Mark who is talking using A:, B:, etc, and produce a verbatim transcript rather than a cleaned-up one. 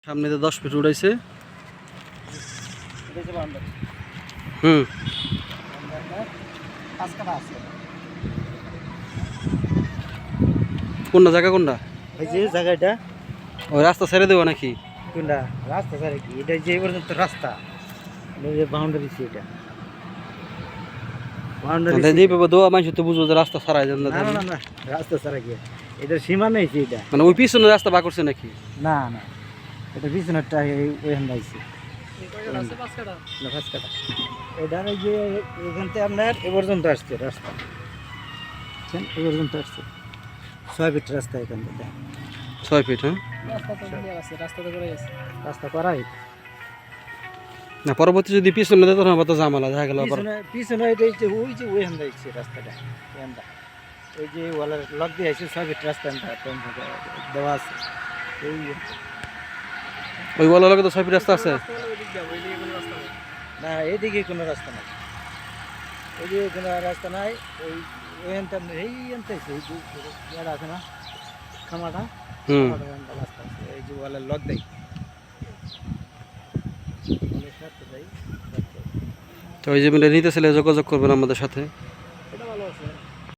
A: সামনে তো দশ ফিট উড়াইছে। হুম কোনটা জায়গা কোনটা?
B: এই যে জায়গাটা
A: ওই রাস্তা ছেড়ে দেবো নাকি?
B: কোনটা রাস্তা ছাড়া কি এটা যে পর্যন্ত রাস্তা বাউন্ডারি এটা বাউন্ডারি
A: দিয়ে পাবো দোয়া মানুষ তো বুঝবো যে রাস্তা ছাড়াই যান না।
B: না না না রাস্তা ছাড়া কি এটা সীমা নেই এটা,
A: মানে ওই পিছনে রাস্তা বা করছে নাকি?
B: না না এটা পিছনেরটা ওইখান দাইছে এটা এই যে এখান থেকে আপনার এ পর্যন্ত আসছে রাস্তা, এ পর্যন্ত আসছে ছয় ফিট রাস্তা এখান থেকে।
A: ছয় ফিট হ্যাঁ
B: রাস্তা করাই
A: না, পরবর্তী যদি পিছনে দেয় তখন আবার তো ঝামেলা দেখা গেল।
B: পিছনে পিছনে এটা হচ্ছে ওই যে ওইখান দাইছে রাস্তাটা এখানটা ওই যে ওয়ালের লক দিয়ে আছে ছয় ফিট রাস্তা দেওয়া আছে। এই
A: ওই বলার লগে তো ছয় ফিট রাস্তা আছে
B: না এইদিকে কোনো রাস্তা নাই, ওইদিকে কোনো রাস্তা নাই। ওই ওইখানটা এই আনতে এই যে আছে না খামাটা,
A: হুম
B: রাস্তা আছে এই যে ওয়ালের লক দেয়।
A: তো ওই যে নিতেছিলে যোগাযোগ করবেন আমাদের সাথে।